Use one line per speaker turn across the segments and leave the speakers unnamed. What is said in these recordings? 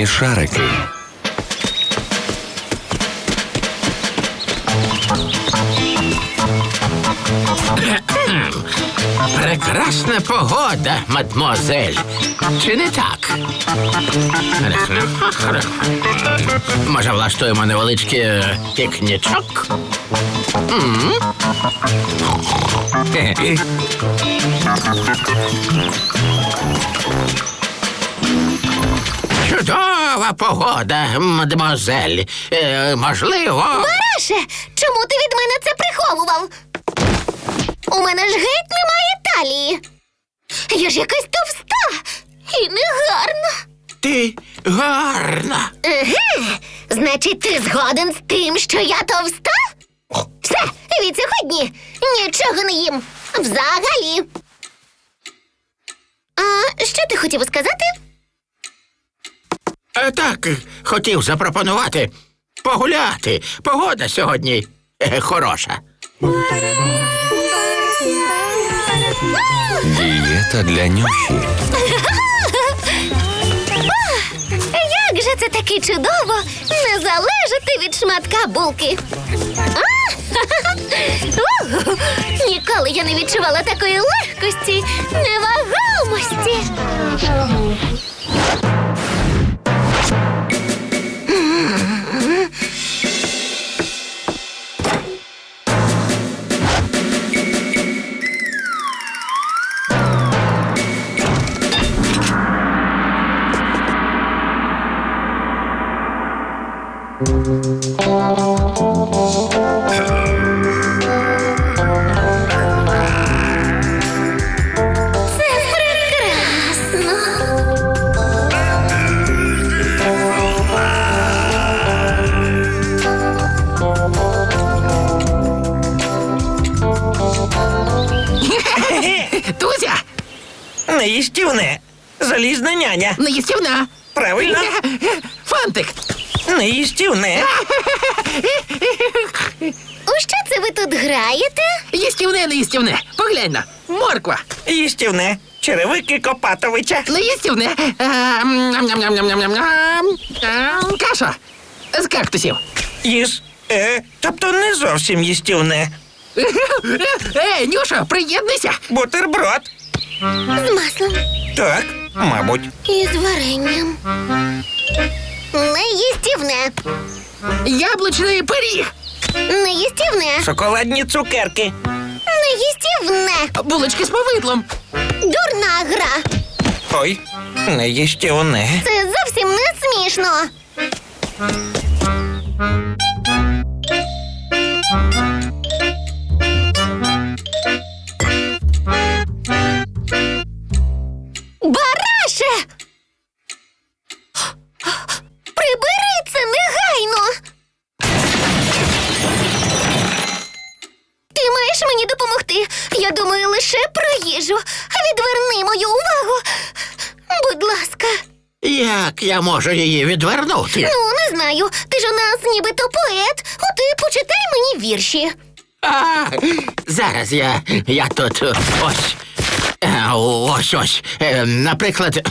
Вогняні шарики.
Прекрасна погода, мадмуазель. Чи не так? Може, влаштуємо невеличкий пікнічок? Чудова погода, мадмуазель. Можливо...
Бараше, чому ти від мене це приховував? У мене ж геть немає талії. Я ж якась товста і негарна.
Ти гарна.
Еге, значить, ти згоден з тим, що я товста? Все, від сьогодні нічого не їм. Взагалі. А що ти хотів сказати?
Так, хотів запропонувати погуляти. Погода сьогодні хороша.
Дієта для Нюші.
Як же це таки чудово не залежати від шматка булки. Ніколи я не відчувала такої легкості, невагомості. Це прекрасно.
Тузя,
Неїстівне. Залізна няня.
неїстівна.
Правильно?
Фантик.
Неїстівне.
У що це ви тут граєте?
Їстівне, неїстівне. Поглянь на. Морква.
Їстівне. Черевики Копатовича.
Неїстівне. Каша. З кактусів.
Їж. Тобто не зовсім їстівне.
Нюша, приєднуйся.
Бутерброд.
З маслом
Так, мабуть.
і з варенням. Неїстівне.
Яблучний пиріг.
Неїстівне.
Шоколадні цукерки.
Неїстівне.
Булочки з повидлом.
Дурна гра.
Ой, неїстівне.
Це зовсім не смішно. Бараше! Прибери це негайно! Ти маєш мені допомогти. Я думаю лише про їжу. Відверни мою увагу. Будь ласка.
Як я можу її відвернути?
Ну, не знаю. Ти ж у нас нібито поет. От і почитай мені вірші.
Зараз я тут ось. Ось. Наприклад,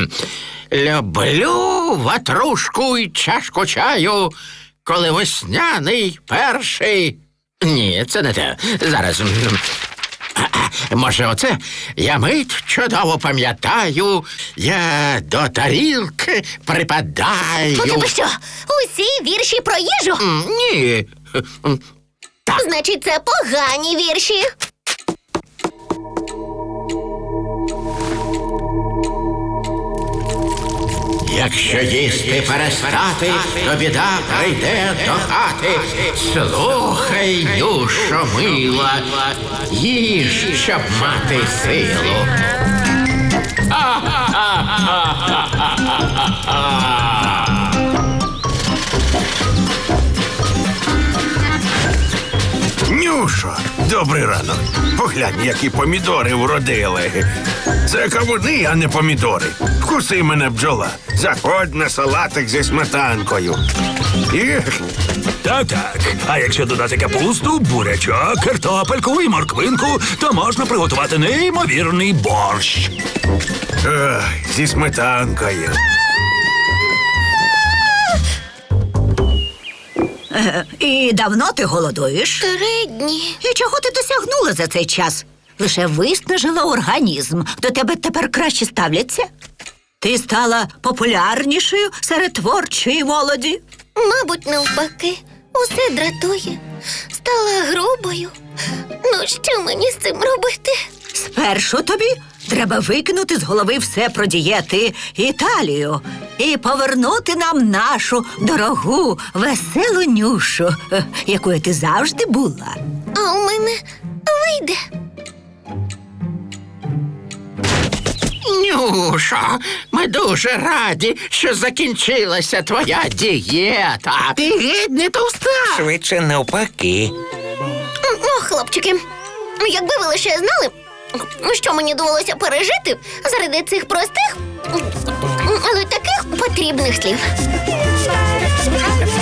люблю ватрушку й чашку чаю, коли весняний перший. Ні, це не те. Зараз. Може, оце? Я мить чудово пам'ятаю, я до тарілки припадаю.
У тебе що? Усі вірші про їжу?
Ні. Так.
Значить, це погані вірші.
Якщо їсти перестати, то біда прийде до хати. Слухай, Нюшо мила, їж, щоб мати силу.
Нюшо, добрий ранок. Поглянь, які помідори вродили. Це кавуни, а не помідори. Вкуси мене, бджола. Заходь на салатик зі сметанкою.
Так. А якщо додати капусту, бурячок, картопельку і морквинку, то можна приготувати неймовірний борщ.
Ой, зі сметанкою.
І давно ти голодуєш?
3 дні.
І чого ти досягнула за цей час? Лише виснажила організм. До тебе тепер краще ставляться? Ти стала популярнішою серед творчої молоді?
Мабуть, навпаки. Усе дратує. Стала грубою. Ну, що мені з цим робити?
Спершу тобі треба викинути з голови все про дієти і талію і повернути нам нашу дорогу, веселу Нюшу, якою ти завжди була.
А у мене вийде.
Нюшо, ми дуже раді, що закінчилася твоя дієта. Ти геть не товста.
Швидше навпаки.
О, хлопчики, якби ви лише знали, що мені довелося пережити заради цих простих, але таких потрібних слів.